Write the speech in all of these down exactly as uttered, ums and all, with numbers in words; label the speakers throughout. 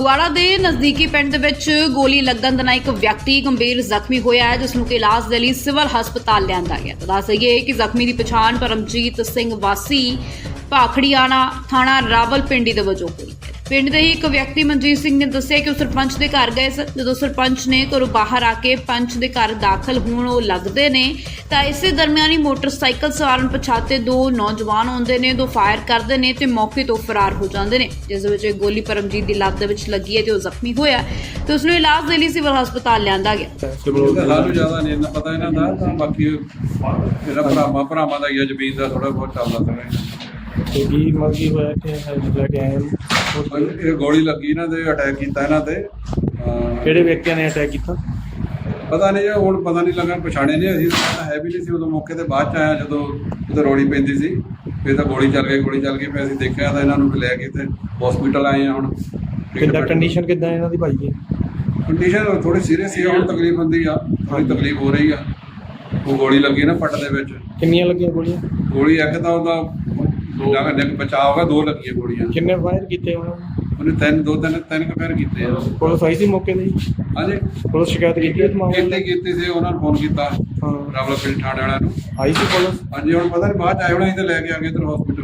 Speaker 1: ਫਗਵਾੜਾ ਦੇ ਨਜ਼ਦੀਕੀ ਪਿੰਡ ਦੇ ਵਿੱਚ ਗੋਲੀ ਲੱਗਣ ਦੇ ਨਾਲ ਇੱਕ ਵਿਅਕਤੀ ਗੰਭੀਰ ਜ਼ਖਮੀ ਹੋਇਆ ਹੈ, ਜਿਸ ਨੂੰ ਕਿ ਇਲਾਜ ਦੇ ਲਈ ਸਿਵਲ ਹਸਪਤਾਲ ਲਿਆਂਦਾ ਗਿਆ। ਤਾਂ ਦੱਸ ਦਈਏ ਕਿ ਜ਼ਖਮੀ ਦੀ ਪਛਾਣ ਪਰਮਜੀਤ ਸਿੰਘ ਵਾਸੀ ਭਾਖੜੀਆਣਾ ਥਾਣਾ ਰਾਵਲਪਿੰਡੀ ਦੇ ਵਜੋਂ ਹੋਈ ਹੈ। ਪਿੰਡ ਦੇ ਹੀ ਇੱਕ ਵਿਅਕਤੀ ਮਨਜੀਤ ਸਿੰਘ ਨੇ ਦੱਸਿਆ ਕਿ ਉਹ ਸਰਪੰਚ ਦੇ ਘਰ ਗਏ ਸਨ। ਜਦੋਂ ਸਰਪੰਚ ਨੇ ਘਰੋਂ ਬਾਹਰ ਆ ਕੇ ਪੰਚ ਦੇ ਘਰ ਦਾਖਲ ਹੋਣ ਉਹ ਲੱਗਦੇ ਨੇ ਤਾਂ ਇਸੇ ਦਰਮਿਆਨ ਹੀ ਮੋਟਰਸਾਈਕਲ ਸਵਾਰ ਪਛਾਤੇ ਦੋ ਨੌਜਵਾਨ ਆਉਂਦੇ ਨੇ, ਦੋ ਫਾਇਰ ਕਰਦੇ ਨੇ ਤੇ ਮੌਕੇ ਤੋਂ ਫਰਾਰ ਹੋ ਜਾਂਦੇ ਨੇ, ਜਿਸ ਵਿੱਚ ਗੋਲੀ ਪਰਮਜੀਤ ਦੀ ਲੱਤ ਦੇ ਵਿੱਚ ਲੱਗੀ ਹੈ ਤੇ ਉਹ ਜ਼ਖਮੀ ਹੋਇਆ ਤੇ ਉਸ ਨੂੰ ਇਲਾਜ ਦੇ ਲਈ ਸਿਵਲ ਹਸਪਤਾਲ ਲਿਆਂਦਾ ਗਿਆ।
Speaker 2: ਸਾਨੂੰ ਜ਼ਿਆਦਾ ਨਹੀਂ ਇੰਨਾ ਪਤਾ ਇਹਨਾਂ ਦਾ, ਤਾਂ ਬਾਕੀ ਇਹਦਾ ਭਰਾਵਾਂ ਭਰਾਵਾਂ ਦਾ ਹੀ ਆ, ਜ਼ਮੀਨ ਦਾ ਥੋੜਾ ਬਹੁਤ ਚੱਲਦਾ ਸੀਗਾ।
Speaker 3: ਤੇ ਕੀ ਮਰਜ਼ੀ ਹੋਇਆ ਕਿ ਲੈ ਕੇ ਆਏ ਨੂੰ?
Speaker 2: ਇਹ ਗੋਲੀ ਲੱਗੀ ਇਹਨਾਂ ਦੇ, ਅਟੈਕ ਕੀਤਾ ਇਹਨਾਂ ਤੇ।
Speaker 3: ਕਿਹੜੇ ਵਿਅਕਤੀਆਂ ਨੇ ਅਟੈਕ ਕੀਤਾ?
Speaker 2: ਪਤਾ ਨਹੀਂ ਜੀ, ਹੁਣ ਪਤਾ ਨਹੀਂ ਲੱਗਾ, ਪਛਾਣੇ ਨਹੀਂ ਅਸੀਂ ਤਾਂ ਹੈ ਵੀ ਨਹੀਂ ਸੀ ਉਦੋਂ, ਮੌਕੇ ਤੇ ਬਾਅਦ ਚ ਆਇਆ ਜਦੋਂ ਉਧਰ ਰੋੜੀ ਪੈਂਦੀ ਸੀ, ਫਿਰ ਤਾਂ ਗੋਲੀ ਚੱਲ ਗਈ ਗੋਲੀ ਚੱਲ ਗਈ ਫਿਰ ਅਸੀਂ ਦੇਖਿਆ ਤਾਂ ਇਹਨਾਂ ਨੂੰ ਲੈ ਕੇ ਤੇ ਹਸਪੀਟਲ ਆਏ ਆ। ਹੁਣ
Speaker 3: ਕਿੱਦਾਂ ਕੰਡੀਸ਼ਨ ਕਿੱਦਾਂ ਇਹਨਾਂ ਦੀ ਭਾਈ ਜੀ?
Speaker 2: ਕੰਡੀਸ਼ਨ ਥੋੜੀ ਸੀਰੀਅਸ ਸੀ, ਹੁਣ ਤਕਲੀਫ ਹੁੰਦੀ ਆ, ਥੋੜੀ ਤਕਲੀਫ ਹੋ ਰਹੀ ਆ। ਉਹ ਗੋਲੀ ਲੱਗੀ ਨਾ ਪੱਟ ਦੇ ਵਿੱਚ।
Speaker 3: ਕਿੰਨੀਆਂ ਲੱਗੀਆਂ ਗੋਲੀਆਂ?
Speaker 2: ਗੋਲੀ ਇੱਕ ਤਾਂ ਉਹਦਾ ਜਗ੍ਹਾ ਦੇ ਬਚਾਅ ਹੋਗਾ, ਦੋ ਲੱਗੀਆਂ ਗੋਲੀਆਂ।
Speaker 3: ਕਿੰਨੇ ਫਾਇਰ ਕੀਤੇ ਉਹਨਾਂ ਨੇ?
Speaker 2: ਉਹਨੇ ਤਿੰਨ ਦੋ ਤਿੰਨ ਤਿੰਨ ਕੁ ਫਾਇਰ ਕੀਤੇ ਆ।
Speaker 3: ਪੁਲਿਸ ਆਈ ਸੀ ਮੌਕੇ ਤੇ?
Speaker 2: ਹਾਂਜੀ,
Speaker 3: ਪੁਲਿਸ ਸ਼ਿਕਾਇਤ ਕੀਤੀ ਇਸ ਮਾਮਲੇ
Speaker 2: ਕੀਤੀ ਕੀਤੀ ਸੀ, ਉਹਨਾਂ ਨੂੰ ਫੋਨ ਕੀਤਾ
Speaker 3: ਹਾਂ,
Speaker 2: ਰਾਵਲਪਿੰਡੀ ਥਾਣੇ ਵਾਲਿਆਂ ਨੂੰ।
Speaker 3: ਆਈ ਸੀ ਪੁਲਿਸ?
Speaker 2: ਹਾਂਜੀ, ਹੁਣ ਪਤਾ ਨਹੀਂ ਬਾਅਦ ਚ ਆਏ ਹੋਣਾ, ਅਸੀਂ ਤਾਂ ਲੈ ਕੇ ਆ ਗਏ ਇੱਧਰ ਹਸਪੀਟਲ।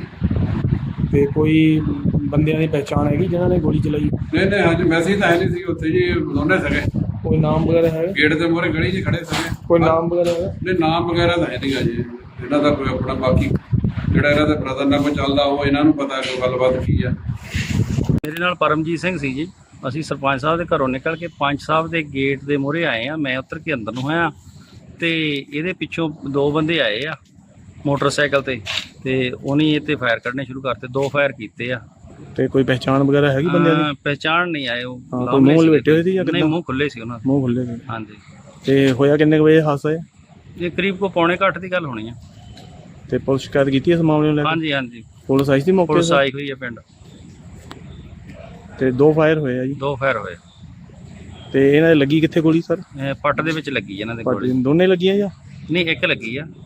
Speaker 3: ਤੇ ਕੋਈ ਬੰਦਿਆਂ ਦੀ ਪਹਿਚਾਣ ਹੈਗੀ ਜਿਨ੍ਹਾਂ ਨੇ ਗੋਲੀ ਚਲਾਈ?
Speaker 2: ਨਹੀਂ ਨਹੀਂ, ਹਾਂਜੀ ਮੈਸੇਜ ਤਾਂ ਹੈ ਨਹੀਂ ਸੀ ਉੱਥੇ ਜੀ, ਦੋਨੇ ਸਗੇ
Speaker 3: ਕੋਈ ਨਾਮ ਵਗੈਰਾ ਹੈ?
Speaker 2: ਗੇਟ ਦੇ ਮੂਹਰੇ ਗਲੀ 'ਚ ਖੜੇ ਸਗੇ।
Speaker 3: ਕੋਈ ਨਾਮ ਵਗੈਰਾ ਹੈ?
Speaker 2: ਨਹੀਂ, ਨਾਮ ਵਗੈਰਾ ਤਾਂ ਹੈ ਨਹੀਂਗਾ ਜੀ ਇਹਨਾਂ ਦਾ ਕੋਈ ਆਪਣਾ। ਬਾਕੀ ਜਿਹੜਾ ਇਹਨਾਂ ਦਾ ਬ੍ਰਦਰ ਨਾਲ ਕੋਈ ਚੱਲਦਾ ਉਹ ਇਹਨਾਂ ਨੂੰ ਪਤਾ ਕੋਈ ਗੱਲਬਾਤ ਕੀ ਆ।
Speaker 4: ਮੇਰੇ ਨਾਲ ਪਰਮਜੀਤ ਸਿੰਘ ਸੀ ਜੀ। ਅਸੀਂ ਸਰਪੰਚ ਸਾਹਿਬ ਦੇ ਘਰੋਂ ਨਿਕਲ ਕੇ ਪੰਚ ਸਾਹਿਬ ਦੇ ਗੇਟ ਦੇ ਮੂਹਰੇ ਆਏ ਆ। ਮੈਂ ਉੱਤਰ ਕੇ ਅੰਦਰ ਨੂੰ ਆਇਆ ਤੇ ਇਹਦੇ ਪਿੱਛੋਂ ਦੋ ਬੰਦੇ ਆਏ ਆ ਮੋਟਰਸਾਈਕਲ ਤੇ ਤੇ ਉਹਨੇ ਇਹ ਤੇ ਫਾਇਰ ਕਰਨੇ ਸ਼ੁਰੂ ਕਰਤੇ। ਦੋ ਫਾਇਰ ਕੀਤੇ ਆ।
Speaker 3: ਤੇ ਕੋਈ ਪਹਿਚਾਣ ਵਗੈਰਾ ਹੈਗੀ ਬੰਦਿਆਂ ਦੀ?
Speaker 4: ਪਹਿਚਾਣ ਨਹੀਂ ਆਏ ਉਹ।
Speaker 3: ਕੋਈ ਮੂੰਹ ਲਪੇਟੇ ਹੋਏ ਸੀ ਜਾਂ
Speaker 4: ਨਹੀਂ, ਮੂੰਹ ਖੁੱਲੇ ਸੀ ਉਹਨਾਂ ਦੇ।
Speaker 3: ਮੂੰਹ ਖੁੱਲੇ ਸੀ।
Speaker 4: ਹਾਂਜੀ।
Speaker 3: ਤੇ ਹੋਇਆ ਕਿੰਨੇ ਵਜੇ ਹਾਦਸਾ ਹੈ?
Speaker 4: ਇਹ ਕਰੀਬ ਕੋ ਪੌਣੇ ਘੱਟ ਦੀ ਗੱਲ ਹੋਣੀ ਆ।
Speaker 3: ਤੇ ਪੁਲਿਸ ਸ਼ਿਕਾਇਤ ਕੀਤੀ ਇਸ ਮਾਮਲੇ ਨੂੰ ਲੈ ਕੇ?
Speaker 4: ਹਾਂਜੀ ਹਾਂਜੀ,
Speaker 3: ਪੁਲਿਸ ਆਈ ਸੀ ਮੌਕੇ ਤੇ?
Speaker 4: ਪੁਲਿਸ ਆਈ ਹੋਈ ਹੈ ਪਿੰਡ।
Speaker 3: ਤੇ ਦੋ ਫਾਇਰ ਹੋਏ ਆ ਜੀ?
Speaker 4: ਦੋ ਫਾਇਰ ਹੋਏ।
Speaker 3: ਤੇ ਇਹਨਾਂ ਦੇ ਲੱਗੀ ਕਿੱਥੇ ਗੋਲੀ ਸਰ?
Speaker 4: ਇਹ ਪੱਟ ਦੇ ਵਿੱਚ ਲੱਗੀ ਇਹਨਾਂ ਦੇ
Speaker 3: ਪੱਟ
Speaker 4: ਗੋਲੀ।
Speaker 3: ਦੋਨੇ ਲੱਗੀਆਂ ਜਾਂ?
Speaker 4: ਨਹੀਂ, ਇੱਕ ਲੱਗੀ ਆ।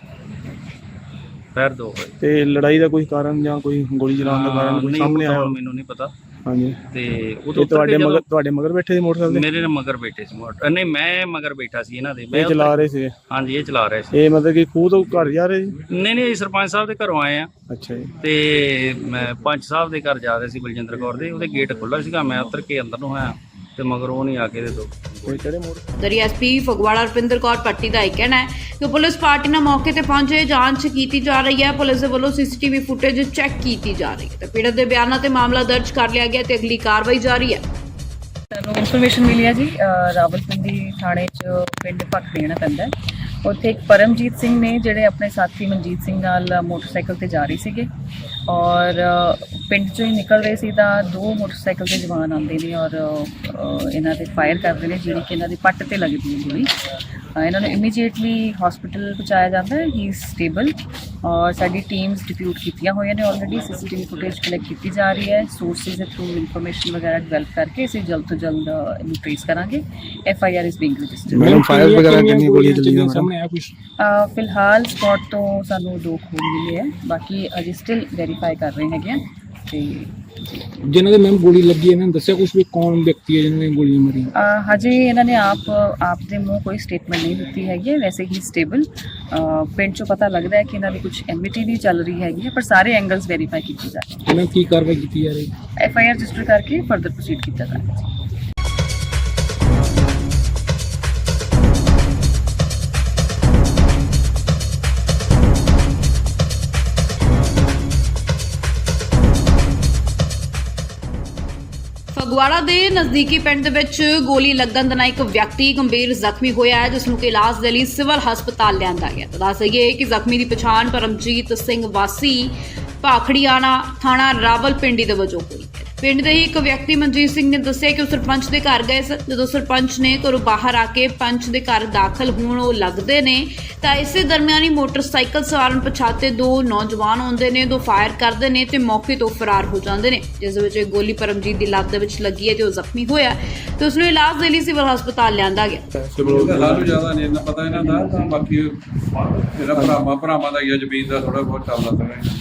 Speaker 4: ਫਾਇਰ ਦੋ ਹੋਏ।
Speaker 3: ਤੇ ਲੜਾਈ ਦਾ ਕੋਈ ਕਾਰਨ ਜਾਂ ਕੋਈ ਗੋਲੀ ਚਲਾਉਣ ਦਾ ਕਾਰਨ ਕੋਈ
Speaker 4: ਨਹੀਂ,
Speaker 3: ਸਾਹਮਣੇ ਆਇਆ?
Speaker 4: ਮੈਨੂੰ ਨਹੀਂ ਪਤਾ।
Speaker 3: ਹਾਂਜੀ।
Speaker 4: ਤੇ
Speaker 3: ਉਹ ਤੁਹਾਡੇ ਮਗਰ ਤੁਹਾਡੇ ਮਗਰ ਬੈਠੇ ਸੀ ਮੋਟਰਸਾਈਕਲ?
Speaker 4: ਮੇਰੇ ਨਾਲ ਮਗਰ ਬੈਠੇ ਸੀ ਮੋਟਰ। ਨਹੀਂ, ਮੈਂ ਮਗਰ ਬੈਠਾ ਸੀ ਇਹਨਾਂ ਦੇ। ਮੈਂ
Speaker 3: ਇਹ ਚਲਾ ਰਹੇ ਸੀ?
Speaker 4: ਹਾਂਜੀ, ਇਹ ਚਲਾ ਰਹੇ ਸੀ।
Speaker 3: ਇਹ ਮਤਲਬ ਕਿ ਖੂਹ ਤੋਂ ਘਰ ਜਾ ਰਹੇ ਸੀ?
Speaker 4: ਨਹੀਂ ਨਹੀਂ, ਸਰਪੰਚ ਸਾਹਿਬ ਦੇ ਘਰੋਂ ਆਏ ਆ
Speaker 3: ਅੱਛਾ ਜੀ।
Speaker 4: ਤੇ ਮੈਂ ਪੰਚ ਸਾਹਿਬ ਦੇ ਘਰ ਜਾ ਰਹੇ ਸੀ, ਬਲਜਿੰਦਰ ਕੌਰ ਦੇ। ਉਹਦੇ ਗੇਟ ਖੁੱਲ੍ਹਾ ਸੀਗਾ, ਮੈਂ ਉਤਰ ਕੇ ਅੰਦਰ ਨੂੰ ਆਇਆ ਤੇ ਮਗਰ ਉਹ ਨਹੀਂ ਆ ਕੇ ਦੇ ਦੋ।
Speaker 3: ਕਿਹੜੇ ਮੋੜ?
Speaker 1: ਦਰੀ ਐਸਪੀ ਫਗਵਾੜਾ ਰੁਪਿੰਦਰ ਕੌਰ ਪੱਟੀ ਦਾ ਇਹ ਕਹਿਣਾ ਹੈ ਕਿ ਪੁਲਿਸ ਪਾਰਟੀ ਨਾਲ ਮੌਕੇ ਤੇ ਪਹੁੰਚੇ, ਜਾਂਚ ਕੀਤੀ ਜਾ ਰਹੀ ਹੈ। ਪੁਲਿਸ ਦੇ ਵੱਲੋਂ ਸੀਸੀਟੀਵੀ ਫੁਟੇਜ ਚੈੱਕ ਕੀਤੀ ਜਾ ਰਹੀ ਹੈ ਤੇ ਪੀੜਤ ਦੇ ਬਿਆਨਾਂ ਤੇ ਮਾਮਲਾ ਦਰਜ ਕਰ ਲਿਆ ਗਿਆ ਤੇ ਅਗਲੀ ਕਾਰਵਾਈ ਜਾਰੀ ਹੈ।
Speaker 5: ਸਾਨੂੰ ਇਨਫੋਰਮੇਸ਼ਨ ਮਿਲੀ ਹੈ ਜੀ, ਰਾਵਲਪਿੰਡੀ ਥਾਣੇ 'ਚ ਪਿੰਡ ਭਾਖੜੀਆਣਾ ਪੈਂਦਾ ਹੈ। ਉੱਥੇ ਇੱਕ ਪਰਮਜੀਤ ਸਿੰਘ ਨੇ ਜਿਹੜੇ ਆਪਣੇ ਸਾਥੀ ਮਨਜੀਤ ਸਿੰਘ ਨਾਲ ਮੋਟਰਸਾਈਕਲ ਤੇ ਜਾ ਰਹੇ ਸੀਗੇ ਔਰ ਪਿੰਡ 'ਚੋਂ ਹੀ ਨਿਕਲ ਰਹੇ ਸੀ ਤਾਂ ਦੋ ਮੋਟਰਸਾਈਕਲ ਤੇ ਜਵਾਨ ਆਉਂਦੇ ਨੇ ਔਰ ਇਹਨਾਂ ਦੇ ਫਾਇਰ ਕਰਦੇ ਨੇ, ਜਿਹੜੀ ਕਿ ਇਹਨਾਂ ਦੀ ਪੱਟ ਤੇ ਲੱਗਦੀ ਹੈ ਗੋਲੀ। ਇਹਨਾਂ ਨੂੰ ਇਮੀਡੀਏਟਲੀ ਹਸਪੀਟਲ ਪਹੁੰਚਾਇਆ ਜਾਂਦਾ ਹੈ। ਹੀ ਇਜ਼ ਸਟੇਬਲ ਔਰ ਸਾਡੀ ਟੀਮਸ ਡਿਪਿਊਟ ਕੀਤੀਆਂ ਹੋਈਆਂ ਨੇ ਆਲਰੇਡੀ। ਸੀਸੀਟੀਵੀ ਫੁਟੇਜ ਕਲੈਕਟ ਕੀਤੀ ਜਾ ਰਹੀ ਹੈ। ਸੋਰਸਿਸ ਦੇ ਥਰੂ ਇਨਫੋਰਮੇਸ਼ਨ ਵਗੈਰਾ ਡਿਵੈਲਪ ਕਰਕੇ ਅਸੀਂ ਜਲਦ ਤੋਂ ਜਲਦ ਇਹਨੂੰ ਟ੍ਰੇਸ ਕਰਾਂਗੇ। F I R is being registered.
Speaker 3: Madam fire ਵਗੈਰਾ ਕਿੰਨੀ ਗੋਲੀਆਂ ਚੱਲੀਆਂ ਸਾਹਮਣੇ ਆਇਆ ਕੁਝ?
Speaker 5: ਫਿਲਹਾਲ ਸਪੌਟ ਤੋਂ ਸਾਨੂੰ ਦੋ ਖੂਨ ਮਿਲੇ ਹੈ, ਬਾਕੀ ਅਜੇ ਸਟਿਲ ਵੈਰੀਫਾਈ ਕਰ ਰਹੇ ਹੈਗੇ ਆ। ਤੇ
Speaker 6: ਜਿਨ੍ਹਾਂ ਦੇ ਮੈਮ ਗੋਲੀ ਲੱਗੀ ਇਹਨਾਂ ਨੇ ਦੱਸਿਆ ਕੁਝ ਵੀ ਕੌਣ ਵਿਅਕਤੀ ਹੈ ਜਿਨ੍ਹਾਂ ਨੇ ਗੋਲੀਆਂ ਮਾਰੀਆਂ?
Speaker 5: ਹਜੇ ਇਹਨਾਂ ਨੇ ਆਪ ਆਪ ਦੇ ਮੂੰਹ ਕੋਈ ਸਟੇਟਮੈਂਟ ਨਹੀਂ ਦਿੱਤੀ ਹੈਗੀ ਹੈ। ਵੈਸੇ ਹੀ ਸਟੇਬਲ ਪਿੰਡ 'ਚੋਂ ਪਤਾ ਲੱਗਦਾ ਹੈ ਕਿ ਇਹਨਾਂ ਦੀ ਕੁਝ ਐਮਿਟੀ ਵੀ ਚੱਲ ਰਹੀ ਹੈਗੀ ਹੈ, ਪਰ ਸਾਰੇ ਐਂਗਲਸ ਵੈਰੀਫਾਈ ਕੀਤੇ ਜਾ ਰਹੇ।
Speaker 6: ਇਹਨਾਂ ਕੀ ਕਾਰਵਾਈ ਕੀਤੀ ਜਾ ਰਹੀ?
Speaker 5: ਐਫ ਆਈ ਆਰ ਰਜਿਸਟਰ ਕਰਕੇ ਫਰਦਰ ਪ੍ਰੋਸੀਡ ਕੀਤਾ ਜਾ ਰਿਹਾ।
Speaker 1: ਫਗਵਾੜਾ ਦੇ ਨਜ਼ਦੀਕੀ ਪਿੰਡ ਦੇ ਵਿੱਚ ਗੋਲੀ ਲੱਗਣ ਦੇ ਨਾਲ ਇੱਕ ਵਿਅਕਤੀ ਗੰਭੀਰ ਜ਼ਖਮੀ ਹੋਇਆ ਹੈ, ਜਿਸ ਨੂੰ ਕਿ ਇਲਾਜ ਦੇ ਲਈ ਸਿਵਲ ਹਸਪਤਾਲ ਲਿਆਂਦਾ ਗਿਆ। ਤਾਂ ਦੱਸ ਦਈਏ ਕਿ ਜ਼ਖਮੀ ਦੀ ਪਛਾਣ ਪਰਮਜੀਤ ਸਿੰਘ ਵਾਸੀ ਭਾਖੜੀਆਣਾ ਥਾਣਾ ਰਾਵਲਪਿੰਡੀ ਦੇ ਵਜੋਂ ਹੋਈ ਹੈ। ਪਿੰਡ ਦੇ ਹੀ ਇੱਕ ਵਿਅਕਤੀ ਮਨਜੀਤ ਸਿੰਘ ਨੇ ਦੱਸਿਆ ਕਿ ਉਹ ਸਰਪੰਚ ਦੇ ਘਰ ਗਏ ਸਨ। ਜਦੋਂ ਸਰਪੰਚ ਨੇ ਘਰੋਂ ਬਾਹਰ ਆ ਕੇ ਪੰਚ ਦੇ ਘਰ ਦਾਖਲ ਹੋਣ ਉਹ ਲੱਗਦੇ ਨੇ ਤਾਂ ਇਸੇ ਦਰਮਿਆਨ ਹੀ ਮੋਟਰਸਾਈਕਲ ਸਵਾਰ ਪਛਾਤੇ ਦੋ ਨੌਜਵਾਨ ਆਉਂਦੇ ਨੇ, ਦੋ ਫਾਇਰ ਕਰਦੇ ਨੇ ਤੇ ਮੌਕੇ ਤੋਂ ਫਰਾਰ ਹੋ ਜਾਂਦੇ ਨੇ, ਜਿਸ ਵਿੱਚ ਗੋਲੀ ਪਰਮਜੀਤ ਦੀ ਲੱਤ ਦੇ ਵਿੱਚ ਲੱਗੀ ਹੈ ਤੇ ਉਹ ਜ਼ਖਮੀ ਹੋਇਆ ਤੇ ਉਸ ਨੂੰ ਇਲਾਜ ਦੇ ਲਈ ਸਿਵਲ ਹਸਪਤਾਲ ਲਿਆਂਦਾ ਗਿਆ।
Speaker 2: ਸਾਨੂੰ ਜ਼ਿਆਦਾ ਨਹੀਂ ਇੰਨਾ ਪਤਾ ਇਹਨਾਂ ਦਾ, ਤਾਂ ਬਾਕੀ ਇਹਦਾ ਭਰਾਵਾਂ ਭਰਾਵਾਂ ਦਾ ਹੀ ਆ, ਜ਼ਮੀਨ ਦਾ ਥੋੜਾ ਬਹੁਤ ਚੱਲਦਾ ਸੀਗਾ।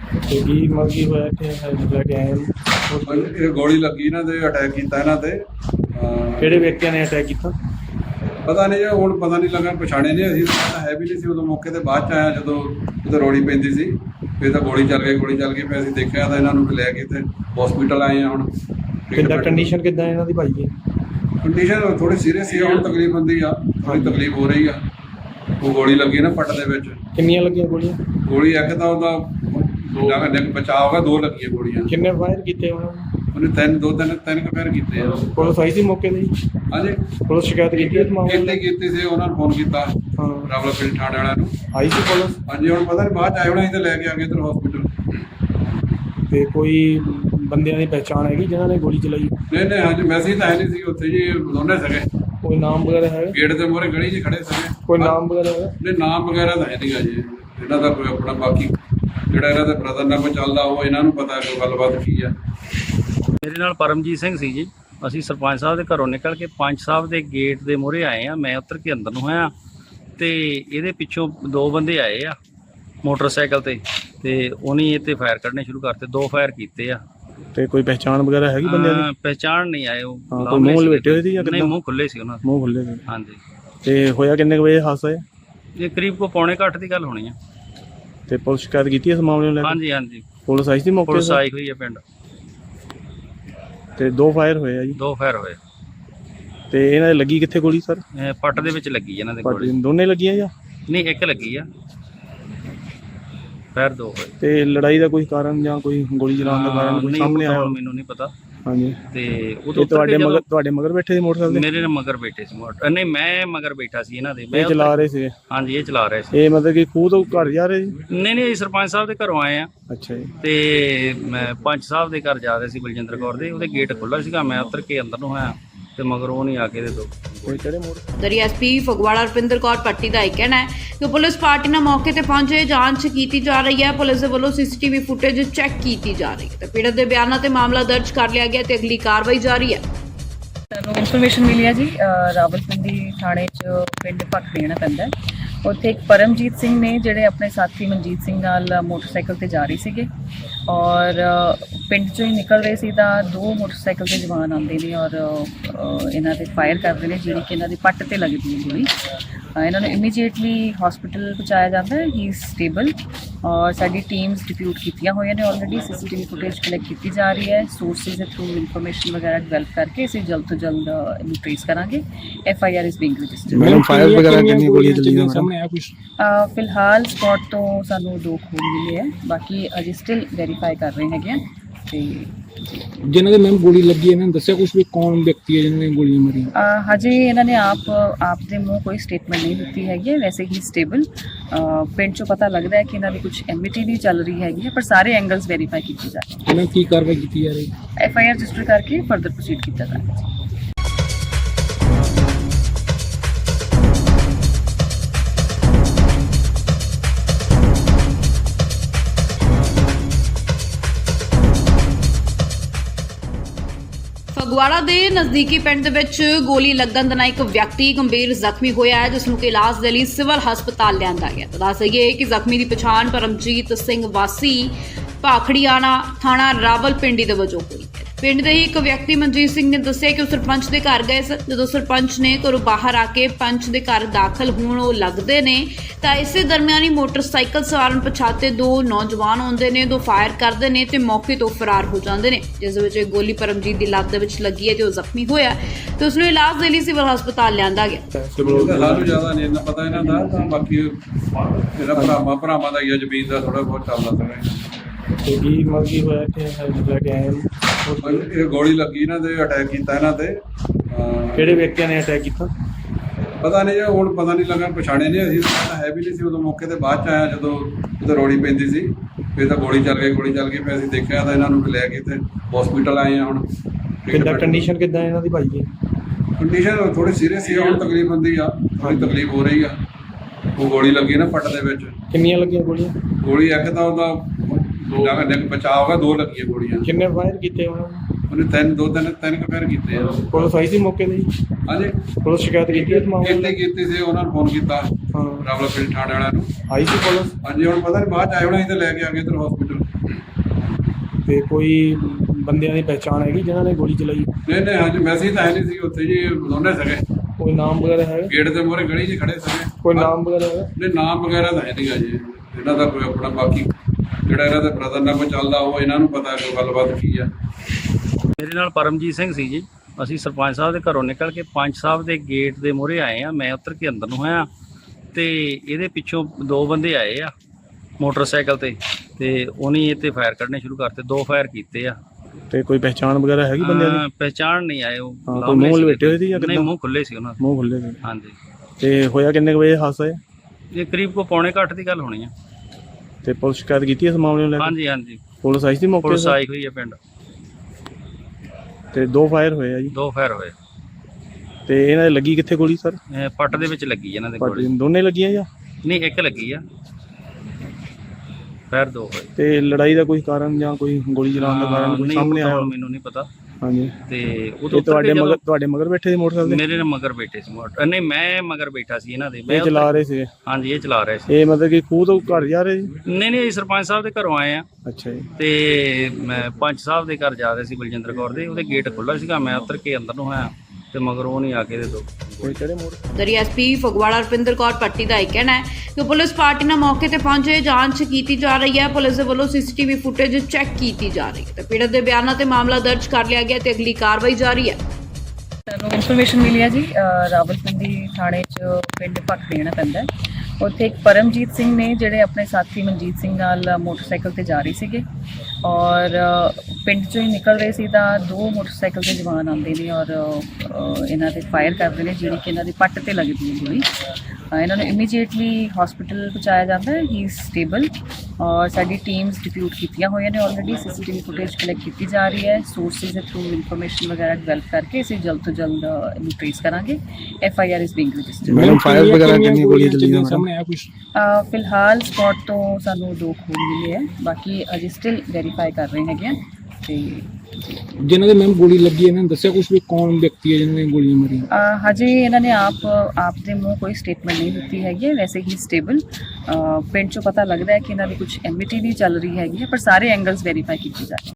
Speaker 3: ਤੇ ਕੀ ਮਤਲਬ ਕੀ ਹੋਇਆ ਕਿ ਲੈ ਕੇ ਆਏ ਹੋ?
Speaker 2: ਇਹ ਗੋਲੀ ਲੱਗੀ ਇਹਨਾਂ ਦੇ, ਅਟੈਕ ਕੀਤਾ ਇਹਨਾਂ ਤੇ। ਅਹ
Speaker 3: ਕਿਹੜੇ ਵਿਅਕਤੀਆਂ ਨੇ ਅਟੈਕ ਕੀਤਾ?
Speaker 2: ਪਤਾ ਨਹੀਂ ਜੀ, ਹੁਣ ਪਤਾ ਨਹੀਂ ਲੱਗਾ, ਪਛਾਣੇ ਨਹੀਂ ਅਸੀਂ ਤਾਂ ਹੈ ਵੀ ਨਹੀਂ ਸੀ ਉਦੋਂ ਮੌਕੇ ਤੇ। ਬਾਅਦ ਚ ਆਇਆ ਜਦੋਂ ਉਹਦੇ ਰੋੜੀ ਪੈਂਦੀ ਸੀ, ਫਿਰ ਤਾਂ ਗੋਲੀ ਚੱਲ ਗਈ ਗੋਲੀ ਚੱਲ ਗਈ ਫਿਰ ਅਸੀਂ ਦੇਖਿਆ ਤਾਂ ਇਹਨਾਂ ਨੂੰ ਵੀ ਲੈ ਕੇ ਤੇ ਹਸਪੀਟਲ ਆਏ ਆ ਹੁਣ।
Speaker 3: ਕਿੱਦਾਂ ਕੰਡੀਸ਼ਨ ਕਿੱਦਾਂ ਇਹਨਾਂ ਦੀ ਭਾਈ ਦੀ?
Speaker 2: ਕੰਡੀਸ਼ਨ ਥੋੜੀ ਸੀਰੀਅਸ ਸੀ, ਹੁਣ ਤਕਲੀਫ ਹੁੰਦੀ ਆ, ਥੋੜੀ ਤਕਲੀਫ ਹੋ ਰਹੀ ਆ। ਉਹ ਗੋਲੀ ਲੱਗੀ ਨਾ ਪੱਟ ਦੇ ਵਿੱਚ।
Speaker 3: ਕਿੰਨੀਆਂ ਲੱਗੀਆਂ ਗੋਲੀਆਂ?
Speaker 2: ਗੋਲੀ ਇੱਕ ਤਾਂ ਉਹਦਾ ਜਗ੍ਹਾ ਡਿੱਗ ਬਚਾਅ ਹੋ ਗਿਆ, ਦੋ ਲੱਗੀਆਂ ਗੋਲੀਆਂ।
Speaker 3: ਕਿੰਨੇ ਫਾਇਰ ਕੀਤੇ ਉਹਨਾਂ ਨੇ?
Speaker 2: ਉਹਨੇ ਤਿੰਨ ਦੋ ਤਿੰਨ ਤਿੰਨ ਕੁ ਫੇਰ ਕੀਤੇ ਆ।
Speaker 3: ਪੁਲਿਸ ਆਈ ਸੀ ਮੌਕੇ ਤੇ?
Speaker 2: ਹਾਂਜੀ,
Speaker 3: ਪੁਲਿਸ ਸ਼ਿਕਾਇਤ ਕੀਤੀ ਇਸ ਮਾਮਲੇ
Speaker 2: ਕੀਤੀ
Speaker 3: ਦੀ?
Speaker 2: ਕੀਤੀ ਸੀ, ਉਹਨਾਂ ਨੂੰ ਫੋਨ ਕੀਤਾ
Speaker 3: ਹਾਂ,
Speaker 2: ਰਾਵਲਪਿੰਡੀ ਥਾਣੇ ਵਾਲਿਆਂ ਨੂੰ।
Speaker 3: ਆਈ ਸੀ ਪੁਲਿਸ?
Speaker 2: ਹਾਂਜੀ, ਹੁਣ ਪਤਾ ਨਹੀਂ ਬਾਅਦ ਚ ਆਏ ਹੋਣਾ, ਅਸੀਂ ਤਾਂ ਲੈ ਕੇ ਆ ਗਏ ਇੱਧਰ ਹਸਪੀਟਲ।
Speaker 3: ਤੇ ਕੋਈ ਬੰਦਿਆਂ ਦੀ ਪਹਿਚਾਣ ਹੈਗੀ ਜਿਨ੍ਹਾਂ ਨੇ ਗੋਲੀ ਚਲਾਈ?
Speaker 2: ਨਹੀਂ ਨਹੀਂ, ਹਾਂਜੀ ਮੈਸੇਜ ਤਾਂ ਹੈ ਨਹੀਂ ਸੀ ਉੱਥੇ ਜੀ, ਦੋਨੇ ਸਕੇ
Speaker 3: ਕੋਈ ਨਾਮ ਵਗੈਰਾ ਹੈਗਾ?
Speaker 2: ਗੇਟ ਦੇ ਮੂਹਰੇ ਗਲੀ 'ਚ ਖੜੇ ਸਕੇ।
Speaker 3: ਕੋਈ ਨਾਮ ਵਗੈਰਾ ਹੈਗਾ?
Speaker 2: ਨਹੀਂ, ਨਾਮ ਵਗੈਰਾ ਤਾਂ ਹੈ ਨਹੀਂਗਾ ਜੀ ਇਹਨਾਂ ਦਾ ਕੋਈ ਆਪਣਾ। ਬਾਕੀ ਜਿਹੜਾ ਇਹਨਾਂ ਦੇ ਬ੍ਰਦਰ ਨਾਲ ਕੋਈ ਚੱਲਦਾ ਉਹ ਇਹਨਾਂ ਨੂੰ ਪਤਾ ਕੋਈ ਗੱਲਬਾਤ ਕੀ ਆ।
Speaker 4: ਮੇਰੇ ਨਾਲ ਪਰਮਜੀਤ ਸਿੰਘ ਸੀ ਜੀ। ਅਸੀਂ ਸਰਪੰਚ ਸਾਹਿਬ ਦੇ ਘਰੋਂ ਨਿਕਲ ਕੇ ਪੰਚ ਸਾਹਿਬ ਦੇ ਗੇਟ ਦੇ ਮੂਹਰੇ ਆਏ ਆ। ਮੈਂ ਉੱਤਰ ਕੇ ਅੰਦਰ ਨੂੰ ਆਇਆ ਤੇ ਇਹਦੇ ਪਿੱਛੋਂ ਦੋ ਬੰਦੇ ਆਏ ਆ ਮੋਟਰਸਾਈਕਲ ਤੇ ਤੇ ਉਹਨੇ ਇਹ ਤੇ ਫਾਇਰ ਕੱਢਣੇ ਸ਼ੁਰੂ ਕਰਤੇ। ਦੋ ਫਾਇਰ ਕੀਤੇ ਆ।
Speaker 3: ਤੇ ਕੋਈ ਪਹਿਚਾਣ ਵਗੈਰਾ ਹੈਗੀ ਬੰਦਿਆਂ ਦੀ?
Speaker 4: ਅਹ ਪਹਿਚਾਣ ਨਹੀਂ ਆਏ ਉਹ।
Speaker 3: ਹਾਂ, ਕੋਈ
Speaker 4: ਲਾਮਲੇ
Speaker 3: ਮੂੰਹ
Speaker 4: ਸੀਗੇ।
Speaker 3: ਲਪੇਟੇ ਹੋਏ ਸੀ ਜਾਂ
Speaker 4: ਨਹੀਂ,
Speaker 3: ਕਿੱਦਾਂ?
Speaker 4: ਮੂੰਹ ਖੁੱਲੇ ਸੀ ਉਹਨਾਂ ਦੇ।
Speaker 3: ਮੂੰਹ ਖੁੱਲੇ ਸੀ।
Speaker 4: ਹਾਂਜੀ,
Speaker 3: ਤੇ ਹੋਇਆ ਕਿੰਨੇ ਕੁ ਵਜੇ ਹਾਦਸਾ ਹੈ?
Speaker 4: ਇਹ ਕਰੀਬ ਕੋ ਪੌਣੇ ਕੁ ਅੱਠ ਦੀ ਗੱਲ ਹੋਣੀ ਆ।
Speaker 3: ਤੇ ਪੁਲਿਸ ਸ਼ਿਕਾਇਤ ਕੀਤੀ ਇਸ ਮਾਮਲੇ ਨੂੰ ਲੈ ਕੇ?
Speaker 4: ਹਾਂਜੀ ਹਾਂਜੀ,
Speaker 3: ਪੁਲਿਸ ਆਈ ਸੀ ਮੌਕੇ
Speaker 4: ਪੁਲਿਸ
Speaker 3: ਤੇ?
Speaker 4: ਆਈ ਹੋਈ ਹੈ ਪਿੰਡ।
Speaker 3: ਤੇ ਦੋ ਫਾਇਰ ਹੋਏ ਆ ਜੀ?
Speaker 4: ਦੋ ਫਾਇਰ ਹੋਏ।
Speaker 3: ਤੇ ਇਹਨਾਂ ਦੇ ਲੱਗੀ ਕਿੱਥੇ ਗੋਲੀ ਸਰ?
Speaker 4: ਇਹ ਪੱਟ ਦੇ ਵਿੱਚ ਲੱਗੀ ਇਹਨਾਂ ਦੇ
Speaker 3: ਪੱਟ
Speaker 4: ਗੋਲੀ।
Speaker 3: ਦੋਨੇ ਲੱਗੀਆਂ ਜਾਂ?
Speaker 4: ਨਹੀਂ, ਇੱਕ ਲੱਗੀ ਆ। ਫਾਇਰ ਦੋ ਹੋਏ।
Speaker 3: ਤੇ ਲੜਾਈ ਦਾ ਕੋਈ ਕਾਰਨ ਜਾਂ ਕੋਈ ਗੋਲੀ ਚਲਾਉਣ ਦਾ ਕਾਰਨ ਕੋਈ
Speaker 4: ਨਹੀਂ,
Speaker 3: ਸਾਹਮਣੇ
Speaker 4: ਉਹ ਤਾਂ
Speaker 3: ਆਇਆ?
Speaker 4: ਹੁਣ ਮੈਨੂੰ ਨਹੀਂ ਪਤਾ।
Speaker 3: ਹਾਂਜੀ।
Speaker 4: ਤੇ ਉਹ
Speaker 3: ਇਹ ਤੁਹਾਡੇ ਮਗਰ ਤੁਹਾਡੇ ਮਗਰ ਬੈਠੇ ਸੀ ਮੋਟਰਸਾਈਕਲ ਤੇ?
Speaker 4: ਮੇਰੇ ਨਾਲ ਮਗਰ ਬੈਠੇ ਸੀ ਮੋਟਰ। ਨਹੀਂ, ਮੈਂ ਮਗਰ ਬੈਠਾ ਸੀ ਇਹਨਾਂ ਦੇ। ਮੈਂ
Speaker 3: ਇਹ ਚਲਾ ਰਹੇ ਸੀ?
Speaker 4: ਹਾਂਜੀ, ਇਹ ਚਲਾ ਰਹੇ ਸੀ।
Speaker 3: ਇਹ ਮਤਲਬ ਕਿ ਖੂਹ ਤੋਂ ਘਰ ਜਾ ਰਹੇ ਸੀ?
Speaker 4: ਨਹੀਂ ਨਹੀਂ, ਅਸੀਂ ਸਰਪੰਚ ਸਾਹਿਬ ਦੇ ਘਰੋਂ ਆਏ ਆ
Speaker 3: ਅੱਛਾ ਜੀ।
Speaker 4: ਤੇ ਮੈਂ ਪੰਚ ਸਾਹਿਬ ਦੇ ਘਰ ਜਾ ਰਹੇ ਸੀ, ਬਲਜਿੰਦਰ ਕੌਰ ਦੇ। ਉਹਦੇ ਗੇਟ ਖੁੱਲ੍ਹਾ ਸੀਗਾ, ਮੈਂ ਉੱਤਰ ਕੇ ਅੰਦਰ ਨੂੰ ਆਇਆ ਤੇ ਮਗਰ ਉਹ ਨਹੀਂ ਆ ਕੇ ਦੇ ਦੋ
Speaker 3: ਕੋਈ ਕਿਹੜੇ ਮੋੜ?
Speaker 1: ਦਰੀ ਐਸਪੀ ਫਗਵਾੜਾ ਰੁਪਿੰਦਰ ਕੌਰ ਪੱਟੀ ਦਾ ਇਹ ਕਹਿਣਾ ਹੈ ਕਿ ਪੁਲਿਸ ਪਾਰਟੀ ਨਾਲ ਮੌਕੇ ਤੇ ਪਹੁੰਚੇ, ਜਾਂਚ ਕੀਤੀ ਜਾ ਰਹੀ ਹੈ। ਪੁਲਿਸ ਦੇ ਵੱਲੋਂ ਸੀਸੀਟੀਵੀ ਫੁਟੇਜ ਚੈੱਕ ਕੀਤੀ ਜਾ ਰਹੀ ਹੈ ਤੇ ਪੀੜਤ ਦੇ ਬਿਆਨਾਂ ਤੇ ਮਾਮਲਾ ਦਰਜ ਕਰ ਲਿਆ ਗਿਆ ਤੇ ਅਗਲੀ ਕਾਰਵਾਈ ਜਾਰੀ ਹੈ।
Speaker 5: ਸਾਨੂੰ ਇਨਫੋਰਮੇਸ਼ਨ ਮਿਲੀ ਹੈ ਜੀ, ਅ, ਰਾਵਲਪਿੰਡੀ ਥਾਣੇ 'ਚ ਪਿੰਡ ਭੱਖ ਦੇਣਾ ਪੈਂਦਾ ਹੈ। ਉੱਥੇ ਇੱਕ ਪਰਮਜੀਤ ਸਿੰਘ ਨੇ ਜਿਹੜੇ ਆਪਣੇ ਸਾਥੀ ਮਨਜੀਤ ਸਿੰਘ ਨਾਲ ਮੋਟਰਸਾਈਕਲ ਤੇ ਜਾ ਰਹੀ ਸੀਗੇ ਔਰ ਅ, ਪਿੰਡ 'ਚੋਂ ਹੀ ਨਿਕਲ ਰਹੇ ਸੀ ਤਾਂ ਦੋ ਮੋਟਰਸਾਈਕਲ ਦੇ ਜਵਾਨ ਆਉਂਦੇ ਨੇ ਔਰ ਅ, ਇਹਨਾਂ ਦੇ ਫਾਇਰ ਕਰਦੇ ਨੇ, ਜਿਹੜੀ ਕਿ ਇਹਨਾਂ ਦੀ ਪੱਟ ਤੇ ਲੱਗਦੀ ਹੈ ਗੋਲੀ। ਅ, ਇਹਨਾਂ ਨੂੰ ਇਮੀਡੀਏਟਲੀ ਹਸਪੀਟਲ ਪਹੁੰਚਾਇਆ ਜਾਂਦਾ ਹੈ। ਹੀ ਇਜ਼ ਸਟੇਬਲ ਔਰ ਸਾਡੀ ਟੀਮਸ ਡਿਪਿਊਟ ਕੀਤੀਆਂ ਹੋਈਆਂ ਨੇ ਆਲਰੇਡੀ। ਸੀਸੀਟੀਵੀ ਫੁਟੇਜ ਕਲੈਕਟ ਕੀਤੀ ਜਾ ਰਹੀ ਹੈ। ਸੋਰਸਿਸ ਦੇ ਥਰੂ ਇਨਫੋਰਮੇਸ਼ਨ ਵਗੈਰਾ ਡਿਵੈਲਪ ਕਰਕੇ ਅਸੀਂ ਜਲਦ ਤੋਂ ਜਲਦ ਇਹਨੂੰ ਟ੍ਰੇਸ ਕਰਾਂਗੇ। F I R is being registered.
Speaker 6: Madam fire ਵਗੈਰਾ ਕਿੰਨੀ ਗੋਲੀਆਂ ਚੱਲੀਆਂ ਸਾਹਮਣੇ ਆਇਆ ਕੁਝ?
Speaker 5: ਅ, ਫਿਲਹਾਲ ਸਪੌਟ ਤੋਂ ਸਾਨੂੰ ਦੋ ਖੂਨ ਮਿਲੇ ਹੈ, ਬਾਕੀ ਅਜੇ ਸਟਿਲ ਵੈਰੀਫਾਈ ਕਰ ਰਹੇ ਹੈਗੇ ਆ। ਤੇ
Speaker 6: ਜਿਨ੍ਹਾਂ ਦੇ ਮੈਮ ਗੋਲੀ ਲੱਗੀ ਹੈ ਇਹਨਾਂ ਨੇ ਦੱਸਿਆ ਕੁਝ ਵੀ ਕੌਣ ਵਿਅਕਤੀ ਹੈ ਜਿਨ੍ਹਾਂ ਨੇ ਗੋਲੀਆਂ ਮਾਰੀਆਂ?
Speaker 5: ਅ, ਹਜੇ ਇਹਨਾਂ ਨੇ ਆਪ ਆਪ ਦੇ ਮੂੰਹ ਕੋਈ ਸਟੇਟਮੈਂਟ ਨਹੀਂ ਦਿੱਤੀ ਹੈਗੀ ਹੈ। ਵੈਸੇ ਹੀ ਸਟੇਬਲ ਪਿੰਡ 'ਚੋਂ ਪਤਾ ਲੱਗਦਾ ਹੈ ਕਿ ਇਹਨਾਂ ਦੀ ਕੁਝ ਐਮਿਟੀ ਵੀ ਚੱਲ ਰਹੀ ਹੈਗੀ ਹੈ, ਪਰ ਸਾਰੇ ਐਂਗਲਸ ਵੈਰੀਫਾਈ ਕੀਤੇ ਜਾ ਰਹੇ।
Speaker 6: ਇਹਨਾਂ ਕੀ ਕਾਰਵਾਈ ਕੀਤੀ ਜਾ ਰਹੀ?
Speaker 5: ਐਫ ਆਈ ਆਰ ਰਜਿਸਟਰ ਕਰਕੇ ਫਰਦਰ ਪ੍ਰੋਸੀਡ ਕੀਤਾ ਜਾਏਗਾ।
Speaker 1: ਫਗਵਾੜਾ ਦੇ ਨਜ਼ਦੀਕੀ ਪਿੰਡ ਦੇ ਵਿੱਚ ਗੋਲੀ ਲੱਗਣ ਦੇ ਨਾਲ ਇੱਕ ਵਿਅਕਤੀ ਗੰਭੀਰ ਜ਼ਖਮੀ ਹੋਇਆ ਹੈ, ਜਿਸ ਨੂੰ ਕਿ ਇਲਾਜ ਦੇ ਲਈ ਸਿਵਲ ਹਸਪਤਾਲ ਲਿਆਂਦਾ ਗਿਆ। ਤਾਂ ਦੱਸ ਦਈਏ ਕਿ ਜ਼ਖਮੀ ਦੀ ਪਛਾਣ ਪਰਮਜੀਤ ਸਿੰਘ ਵਾਸੀ ਭਾਖੜੀਆਣਾ ਥਾਣਾ ਰਾਵਲਪਿੰਡੀ ਦੇ ਵਜੋਂ ਹੋਈ ਹੈ। ਪਿੰਡ ਦੇ ਹੀ ਇੱਕ ਵਿਅਕਤੀ ਮਨਜੀਤ ਸਿੰਘ ਨੇ ਦੱਸਿਆ ਕਿ ਉਹ ਸਰਪੰਚ ਦੇ ਘਰ ਗਏ ਸਨ। ਜਦੋਂ ਸਰਪੰਚ ਨੇ ਘਰੋਂ ਬਾਹਰ ਆ ਕੇ ਪੰਚ ਦੇ ਘਰ ਦਾਖਲ ਹੋਣ ਉਹ ਲੱਗਦੇ ਨੇ ਤਾਂ ਇਸੇ ਦਰਮਿਆਨ ਹੀ ਮੋਟਰਸਾਈਕਲ ਸਵਾਰ ਅਣਪਛਾਤੇ ਦੋ ਨੌਜਵਾਨ ਆਉਂਦੇ ਨੇ, ਦੋ ਫਾਇਰ ਕਰਦੇ ਨੇ ਤੇ ਮੌਕੇ ਤੋਂ ਫਰਾਰ ਹੋ ਜਾਂਦੇ ਨੇ, ਜਿਸ ਵਿੱਚ ਇੱਕ ਗੋਲੀ ਪਰਮਜੀਤ ਦੀ ਲੱਤ ਦੇ ਵਿੱਚ ਲੱਗੀ ਹੈ ਤੇ ਉਹ ਜ਼ਖਮੀ ਹੋਇਆ ਤੇ ਉਸ ਨੂੰ ਇਲਾਜ ਦੇ ਲਈ ਸਿਵਲ ਹਸਪਤਾਲ ਲਿਆਂਦਾ ਗਿਆ।
Speaker 2: ਸਾਨੂੰ ਜ਼ਿਆਦਾ ਨਹੀਂ ਇੰਨਾ ਪਤਾ ਇਹਨਾਂ ਦਾ, ਤਾਂ ਬਾਕੀ ਇਹਦਾ ਭਰਾਵਾਂ ਭਰਾਵਾਂ ਦਾ ਹੀ ਆ, ਜ਼ਮੀਨ ਦਾ ਥੋੜਾ ਬਹੁਤ ਚੱਲਦਾ ਸੀਗਾ।
Speaker 3: ਤੇ ਕੀ ਮਤਲਬ ਕੀ ਹੋਇਆ ਕਿ ਲੈ ਕੇ ਆਏ ਹੋ?
Speaker 2: ਇਹ ਗੋਲੀ ਲੱਗੀ ਇਹਨਾਂ ਦੇ, ਅਟੈਕ ਕੀਤਾ ਇਹਨਾਂ ਤੇ। ਅਹ
Speaker 3: ਕਿਹੜੇ ਵਿਅਕਤੀਆਂ ਨੇ ਅਟੈਕ ਕੀਤਾ?
Speaker 2: ਪਤਾ ਨਹੀਂ ਜੀ, ਹੁਣ ਪਤਾ ਨਹੀਂ ਲੱਗਾ, ਪਛਾਣੇ ਨਹੀਂ ਅਸੀਂ ਤਾਂ ਹੈ ਵੀ ਨਹੀਂ ਸੀ ਉਦੋਂ ਮੌਕੇ ਤੇ। ਬਾਅਦ ਚ ਆਇਆ ਜਦੋਂ ਉਹਦੇ ਰੋੜੀ ਪੈਂਦੀ ਸੀ, ਫਿਰ ਤਾਂ ਗੋਲੀ ਚੱਲ ਗਈ ਗੋਲੀ ਚੱਲ ਗਈ ਫਿਰ ਅਸੀਂ ਦੇਖਿਆ ਤਾਂ ਇਹਨਾਂ ਨੂੰ ਵੀ ਲੈ ਕੇ ਤੇ ਹਸਪੀਟਲ ਆਏ ਆ ਹੁਣ।
Speaker 3: ਕਿੱਦਾਂ ਕੰਡੀਸ਼ਨ ਕਿੱਦਾਂ ਇਹਨਾਂ ਦੀ ਭਾਈ ਦੀ?
Speaker 2: ਕੰਡੀਸ਼ਨ ਥੋੜੀ ਸੀਰੀਅਸ ਸੀ, ਹੁਣ ਤਕਲੀਫ ਹੁੰਦੀ ਆ, ਥੋੜੀ ਤਕਲੀਫ ਹੋ ਰਹੀ ਆ। ਉਹ ਗੋਲੀ ਲੱਗੀ ਨਾ ਪੱਟ ਦੇ ਵਿੱਚ।
Speaker 3: ਕਿੰਨੀਆਂ ਲੱਗੀਆਂ ਗੋਲੀਆਂ?
Speaker 2: ਗੋਲੀ ਇੱਕ ਤਾਂ ਉਹਦਾ ਜਗ੍ਹਾ ਡਿੱਗ ਬਚਾਅ ਹੋ ਗਿਆ, ਦੋ ਲੱਗੀਆਂ ਗੋਲੀਆਂ।
Speaker 3: ਕਿੰਨੇ ਫਾਇਰ ਕੀਤੇ ਉਹਨਾਂ ਨੇ?
Speaker 2: ਉਹਨੇ ਤਿੰਨ ਦੋ ਤਿੰਨ ਤਿੰਨ ਕੁ ਫੇਰ ਕੀਤੇ ਆ।
Speaker 3: ਪੁਲਿਸ ਆਈ ਸੀ ਮੌਕੇ ਤੇ?
Speaker 2: ਹਾਂਜੀ,
Speaker 3: ਪੁਲਿਸ ਸ਼ਿਕਾਇਤ ਕੀਤੀ ਇਸ ਮਾਮਲੇ
Speaker 2: ਕੀਤੀ
Speaker 3: ਦੀ?
Speaker 2: ਕੀਤੀ ਸੀ, ਉਹਨਾਂ ਨੂੰ ਫੋਨ ਕੀਤਾ
Speaker 3: ਹਾਂ,
Speaker 2: ਰਾਵਲਪਿੰਡੀ ਥਾਣੇ ਵਾਲਿਆਂ ਨੂੰ।
Speaker 3: ਆਈ ਸੀ ਪੁਲਿਸ?
Speaker 2: ਹਾਂਜੀ, ਹੁਣ ਪਤਾ ਨਹੀਂ ਬਾਅਦ ਚ ਆਏ ਹੋਣਾ, ਅਸੀਂ ਤਾਂ ਲੈ ਕੇ ਆ ਗਏ ਇੱਧਰ ਹਸਪੀਟਲ।
Speaker 3: ਤੇ ਕੋਈ ਬੰਦਿਆਂ ਦੀ ਪਹਿਚਾਣ ਹੈਗੀ ਜਿਨ੍ਹਾਂ ਨੇ ਗੋਲੀ ਚਲਾਈ?
Speaker 2: ਨਹੀਂ ਨਹੀਂ ਹਾਂਜੀ ਮੈਸੇਜ ਤਾਂ ਹੈ ਨਹੀਂ ਸੀ ਉੱਥੇ ਜੀ, ਦੋਨੇ ਸਗੇ
Speaker 3: ਕੋਈ ਨਾਮ ਵਗੈਰਾ ਹੈ?
Speaker 2: ਗੇਟ ਦੇ ਮੂਹਰੇ ਗਲੀ 'ਚ ਖੜੇ ਸਗੇ।
Speaker 3: ਕੋਈ ਨਾਮ ਵਗੈਰਾ ਹੈ?
Speaker 2: ਨਹੀਂ ਨਾਮ ਵਗੈਰਾ ਤਾਂ ਹੈ ਨਹੀਂਗਾ ਜੀ ਇਹਨਾਂ ਦਾ ਕੋਈ ਆਪਣਾ, ਬਾਕੀ ਜਿਹੜਾ ਇਹਨਾਂ ਦੇ ਬ੍ਰਦਰ ਨਾਲ ਕੋਈ ਚੱਲਦਾ ਉਹ ਇਹਨਾਂ ਨੂੰ ਪਤਾ ਕੋਈ ਗੱਲਬਾਤ ਕੀ ਆ।
Speaker 4: ਮੇਰੇ ਨਾਲ ਪਰਮਜੀਤ ਸਿੰਘ ਸੀ ਜੀ। ਅਸੀਂ ਸਰਪੰਚ ਸਾਹਿਬ ਦੇ ਘਰੋਂ ਨਿਕਲ ਕੇ ਪੰਚ ਸਾਹਿਬ ਦੇ ਗੇਟ ਦੇ ਮੂਹਰੇ ਆਏ ਆ। ਮੈਂ ਉੱਤਰ ਕੇ ਅੰਦਰ ਨੂੰ ਆਇਆ ਤੇ ਇਹਦੇ ਪਿੱਛੋਂ ਦੋ ਬੰਦੇ ਆਏ ਆ ਮੋਟਰਸਾਈਕਲ ਤੇ ਤੇ ਉਹਨੇ ਇਹ ਤੇ ਫਾਇਰ ਕਰਨੇ ਸ਼ੁਰੂ ਕਰਤੇ। ਦੋ ਫਾਇਰ ਕੀਤੇ ਆ।
Speaker 3: ਤੇ ਕੋਈ ਪਹਿਚਾਣ ਵਗੈਰਾ ਹੈਗੀ ਬੰਦਿਆਂ ਦੀ?
Speaker 4: ਅਹ ਪਹਿਚਾਣ ਨਹੀਂ ਆਏ ਉਹ।
Speaker 3: ਹਾਂ, ਕੋਈ ਮੂੰਹ ਲਪੇਟੇ ਹੋਏ ਸੀ ਜਾਂ
Speaker 4: ਨਹੀਂ,
Speaker 3: ਕਿੱਦਾਂ?
Speaker 4: ਮੂੰਹ ਖੁੱਲੇ ਸੀ ਉਹਨਾਂ ਦੇ।
Speaker 3: ਮੂੰਹ ਖੁੱਲੇ ਸੀ।
Speaker 4: ਹਾਂਜੀ।
Speaker 3: ਤੇ ਹੋਇਆ ਕਿੰਨੇ ਕੁ ਵਜੇ ਹਾਦਸਾ ਹੈ?
Speaker 4: ਇਹ ਕਰੀਬ ਕੋ ਪੌਣੇ ਘੱਟ ਦੀ ਗੱਲ ਹੋਣੀ ਆ।
Speaker 3: ਤੇ ਪੁਲਿਸ ਸ਼ਿਕਾਇਤ ਕੀਤੀ ਇਸ ਮਾਮਲੇ ਨੂੰ ਲੈ ਕੇ?
Speaker 4: ਹਾਂਜੀ ਹਾਂਜੀ,
Speaker 3: ਪੁਲਿਸ ਆਈ ਸੀ ਮੌਕੇ
Speaker 4: ਪੁਲਿਸ
Speaker 3: ਤੇ?
Speaker 4: ਆਈ ਹੋਈ ਹੈ ਪਿੰਡ।
Speaker 3: ਤੇ ਦੋ ਫਾਇਰ ਹੋਏ ਆ ਜੀ?
Speaker 4: ਦੋ ਫਾਇਰ ਹੋਏ।
Speaker 3: ਤੇ ਇਹਨਾਂ ਦੇ ਲੱਗੀ ਕਿੱਥੇ ਗੋਲੀ ਸਰ?
Speaker 4: ਇਹ ਪੱਟ ਦੇ ਵਿੱਚ ਲੱਗੀ ਇਹਨਾਂ ਦੇ
Speaker 3: ਤੁਹਾਡੇ
Speaker 4: ਗੋਲੀ।
Speaker 3: ਦੋਨੇ ਲੱਗੀਆਂ ਜਾਂ?
Speaker 4: ਨਹੀਂ, ਇੱਕ ਲੱਗੀ ਆ। ਫਾਇਰ ਦੋ ਹੋਏ।
Speaker 3: ਤੇ ਲੜਾਈ ਦਾ ਕੋਈ ਕਾਰਨ ਜਾਂ ਕੋਈ ਗੋਲੀ ਚਲਾਉਣ ਦਾ ਕਾਰਨ ਕੋਈ
Speaker 4: ਨਹੀਂ,
Speaker 3: ਸਾਹਮਣੇ
Speaker 4: ਉਹ ਤਾਂ
Speaker 3: ਆਇਆ?
Speaker 4: ਹੁਣ ਮੈਨੂੰ ਨਹੀਂ ਪਤਾ।
Speaker 3: ਹਾਂਜੀ।
Speaker 4: ਤੇ
Speaker 3: ਇਹ
Speaker 4: ਉਦੋਂ
Speaker 3: ਤੁਹਾਡੇ ਮਗਰ ਤੁਹਾਡੇ ਮਗਰ ਬੈਠੇ ਸੀ ਮੋਟਰਸਾਈਕਲ ਤੇ?
Speaker 4: ਮੇਰੇ ਨਾਲ ਮਗਰ ਬੈਠੇ ਸੀ ਮੋਟਰ ਨਹੀਂ, ਮੈਂ ਮਗਰ ਬੈਠਾ ਸੀ ਇਹਨਾਂ ਦੇ। ਮੈਂ
Speaker 3: ਇਹ ਚਲਾ ਰਹੇ ਸੀਗੇ?
Speaker 4: ਹਾਂਜੀ, ਇਹ ਚਲਾ ਰਹੇ ਸੀ।
Speaker 3: ਇਹ ਮਤਲਬ ਕਿ ਖੂਹ ਤੋਂ ਘਰ ਜਾ ਰਹੇ ਸੀ?
Speaker 4: ਨਹੀਂ ਨਹੀਂ, ਅਸੀਂ ਸਰਪੰਚ ਸਾਹਿਬ ਦੇ ਘਰੋਂ ਆਏ ਆ
Speaker 3: ਅੱਛਾ ਜੀ।
Speaker 4: ਤੇ ਮੈਂ ਪੰਚ ਸਾਹਿਬ ਦੇ ਘਰ ਜਾ ਰਹੇ ਸੀ ਬਲਜਿੰਦਰ ਕੌਰ ਦੇ। ਉਹਦੇ ਗੇਟ ਖੁੱਲ੍ਹਾ ਸੀਗਾ। ਮੈਂ ਉੱਤਰ ਕੇ ਅੰਦਰ ਨੂੰ ਆਇਆ ਤੇ ਮਗਰ ਉਹ ਨਹੀਂ ਆ ਕੇ ਦੇ ਦੋ
Speaker 3: ਕੋਈ ਕਿਹੜੇ ਮੋੜ?
Speaker 1: ਦਰੀ ਐਸਪੀ ਫਗਵਾੜਾ ਰੁਪਿੰਦਰ ਕੌਰ ਪੱਟੀ ਦਾ ਇਹ ਕਹਿਣਾ ਹੈ ਕਿ ਪੁਲਿਸ ਪਾਰਟੀ ਨਾਲ ਮੌਕੇ ਤੇ ਪਹੁੰਚੇ ਜਾਂਚ ਕੀਤੀ ਜਾ ਰਹੀ ਹੈ। ਪੁਲਿਸ ਦੇ ਵੱਲੋਂ ਸੀਸੀਟੀਵੀ ਫੁਟੇਜ ਚੈੱਕ ਕੀਤੀ ਜਾ ਰਹੀ ਹੈ ਤੇ ਪੀੜਤ ਦੇ ਬਿਆਨਾਂ ਤੇ ਮਾਮਲਾ ਦਰਜ ਕਰ ਲਿਆ ਗਿਆ ਤੇ ਅਗਲੀ ਕਾਰਵਾਈ ਜਾਰੀ ਹੈ।
Speaker 5: ਸਾਨੂੰ ਇਨਫੋਰਮੇਸ਼ਨ ਮਿਲੀ ਹੈ ਜੀ, ਅ, ਰਾਵਲਪਿੰਡੀ ਥਾਣੇ 'ਚ ਪਿੰਡ ਭੱਖ ਦੇਣਾ ਪੈਂਦਾ ਹੈ। ਉੱਥੇ ਇੱਕ ਪਰਮਜੀਤ ਸਿੰਘ ਨੇ ਜਿਹੜੇ ਆਪਣੇ ਸਾਥੀ ਮਨਜੀਤ ਸਿੰਘ ਨਾਲ ਮੋਟਰਸਾਈਕਲ ਤੇ ਜਾ ਰਹੇ ਸੀਗੇ ਔਰ ਅ, ਪਿੰਡ 'ਚੋਂ ਹੀ ਨਿਕਲ ਰਹੇ ਸੀ ਤਾਂ ਦੋ ਮੋਟਰਸਾਈਕਲ ਤੇ ਜਵਾਨ ਆਉਂਦੇ ਨੇ ਔਰ ਅ, ਇਹਨਾਂ ਤੇ ਫਾਇਰ ਕਰਦੇ ਨੇ ਜਿਹੜੀ ਕਿ ਇਹਨਾਂ ਦੀ ਪੱਟ ਤੇ ਲੱਗਦੀ ਹੈ ਗੋਲੀ। ਅ, ਇਹਨਾਂ ਨੂੰ ਇਮੀਡੀਏਟਲੀ ਹਸਪੀਟਲ ਪਹੁੰਚਾਇਆ ਜਾਂਦਾ ਹੈ। ਹੀ ਇਜ਼ ਸਟੇਬਲ ਔਰ ਸਾਡੀ ਟੀਮਸ ਡਿਪਿਊਟ ਕੀਤੀਆਂ ਹੋਈਆਂ ਨੇ ਆਲਰੇਡੀ। ਸੀਸੀਟੀਵੀ ਫੁਟੇਜ ਕਲੈਕਟ ਕੀਤੀ ਜਾ ਰਹੀ ਹੈ। ਸੋਰਸਿਸ ਦੇ ਥਰੂ ਇਨਫੋਰਮੇਸ਼ਨ ਵਗੈਰਾ ਡਿਵੈਲਪ ਕਰਕੇ ਅਸੀਂ ਜਲਦ ਤੋਂ ਜਲਦ ਇਹਨੂੰ ਟ੍ਰੇਸ ਕਰਾਂਗੇ। F I R is being registered.
Speaker 3: Madam fire ਵਗੈਰਾ ਕਿੰਨੀ ਗੋਲੀਆਂ ਚੱਲੀਆਂ
Speaker 6: ਸਾਹਮਣੇ ਆਇਆ ਕੁਝ?
Speaker 5: ਅ, ਫਿਲਹਾਲ ਸਪੌਟ ਤੋਂ ਸਾਨੂੰ ਦੋ ਖੂਨ ਮਿਲੇ ਹੈ, ਬਾਕੀ ਅਜੇ ਸਟਿਲ ਵੈਰੀਫਾਈ ਕਰ ਰਹੇ ਹੈਗੇ ਆ। ਤੇ
Speaker 6: ਜਿਨ੍ਹਾਂ ਦੇ ਮੈਮ ਗੋਲੀ ਲੱਗੀ ਇਹਨਾਂ ਨੇ ਦੱਸਿਆ ਕੁਝ ਵੀ ਕੌਣ ਵਿਅਕਤੀ ਹੈ ਜਿਨ੍ਹਾਂ ਨੇ ਗੋਲੀਆਂ ਮਾਰੀਆਂ?
Speaker 5: ਅ, ਹਜੇ ਇਹਨਾਂ ਨੇ ਆਪ ਆਪ ਦੇ ਮੂੰਹ ਕੋਈ ਸਟੇਟਮੈਂਟ ਨਹੀਂ ਦਿੱਤੀ ਹੈਗੀ ਹੈ। ਵੈਸੇ ਹੀ ਸਟੇਬਲ ਪਿੰਡ 'ਚੋਂ ਪਤਾ ਲੱਗਦਾ ਹੈ ਕਿ ਇਹਨਾਂ ਦੀ ਕੁਝ ਐਮਿਟੀ ਵੀ ਚੱਲ ਰਹੀ ਹੈਗੀ ਹੈ, ਪਰ ਸਾਰੇ ਐਂਗਲਸ ਵੈਰੀਫਾਈ ਕੀਤੇ ਜਾ ਰਹੇ।